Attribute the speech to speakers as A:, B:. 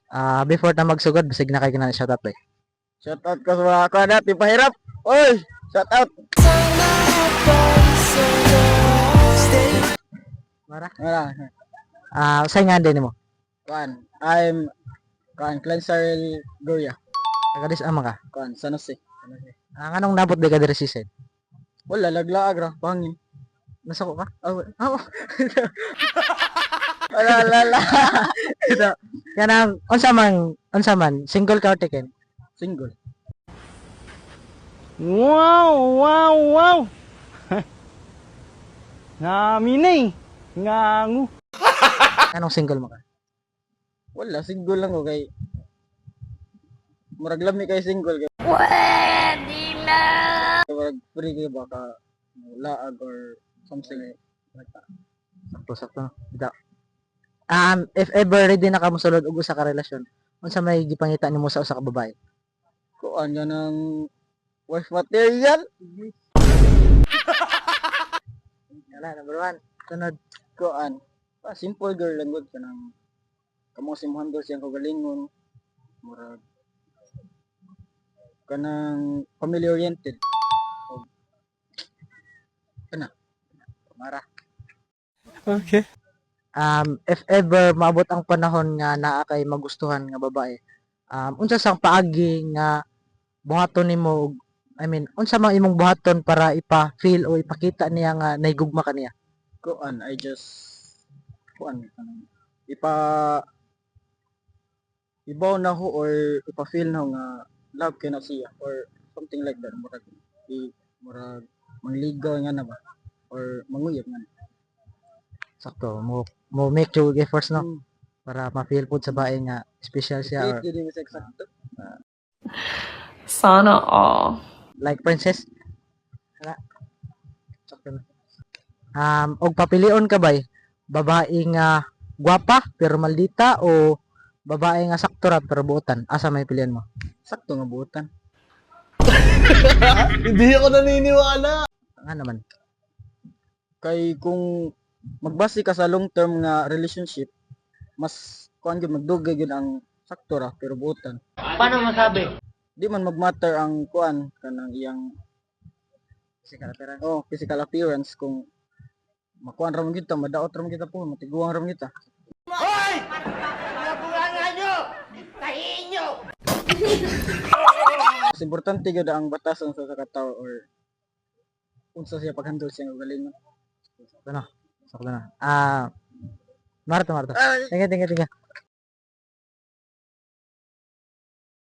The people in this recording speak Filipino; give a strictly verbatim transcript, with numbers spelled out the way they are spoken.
A: Ah, before ta magsugod, bisig na kay kinahanglan shoutout pre.
B: Shout out ka sa mga ako na, tipahirap. Oy, shout out.
A: Mara.
B: Wala.
A: Ah, usay nga din nimo.
B: Kuan, I'm kuan Cleansar Goya.
A: Taga dis ama ka.
B: Kuan, San Jose. San Jose.
A: Ah, nganong nabot di ka diri si Sen?
B: Wala, laglaag ra, pangin.
A: Nasuko ka?
B: Oh, oh. Wala, wala, wala.
A: Ito. Kanang unsa man, unsa man, single ka or taken?
B: Single.
C: Wow, wow, wow. Ngaminay. Ngangu.
A: Anong single mo ka?
B: Wala, single lang ko kay murag lami kay single kay.
D: Pwede na!
B: Murag free kay baka laag or something like that.
A: Sakto, sakto. Ito. Um, if ever ready na ka mosulod og usa ka relasyon, unsa may gipangita nimo sa usa ka babae?
B: Kuan yan ng wife material.
A: Wala, number one. Sunod.
B: Kuan. Ah, simple girl lang gud kanang kamo simuhan daw siyang kagalingon. Murag kanang family oriented. Kana.
A: Mara.
C: Okay.
A: Um, if ever maabot ang panahon nga naa kay magustuhan nga babae, um, unsa sang paagi nga buhaton nimo og I mean, unsa man imong buhaton para ipa-feel o ipakita niya nga naigugma ka niya?
B: Kuan, I just kuan kanang ipa ibaw na ho or ipa-feel na ho nga love kay na siya or something like that. Murag i murag mangligaw nga na ba or manguyab nga na.
A: Sakto, mo mo make your efforts no
B: Hmm.
A: para ma-feel pud sa bae nga special siya or
B: Wait, dili sa eksakto.
D: Sana all.
A: like princess. Wala. Sakto na. Um, og papilion ka bay, babae nga gwapa pero maldita o babae nga sakto ra pero buotan? Asa may pilihan mo?
B: Sakto nga buotan.
C: Hindi ako naniniwala.
A: Nga naman.
B: Kay kung magbase ka sa long term nga relationship, mas kuan gyud magdugay gyud ang sakto ra pero buotan.
C: Paano masabi?
B: Di man magmatter ang kuan kanang iyang
A: Physical appearance.
B: oh physical appearance kung makuan ra man kita, madaot ra man kita po, matiguang ra man kita. Mas importante gyud ang batason sa sa katawo or unsa siya paghandle siya nga galingon.
A: Sakto na. Sakto na. Ah, Marta, Marta. Tingga, tingga, tingga.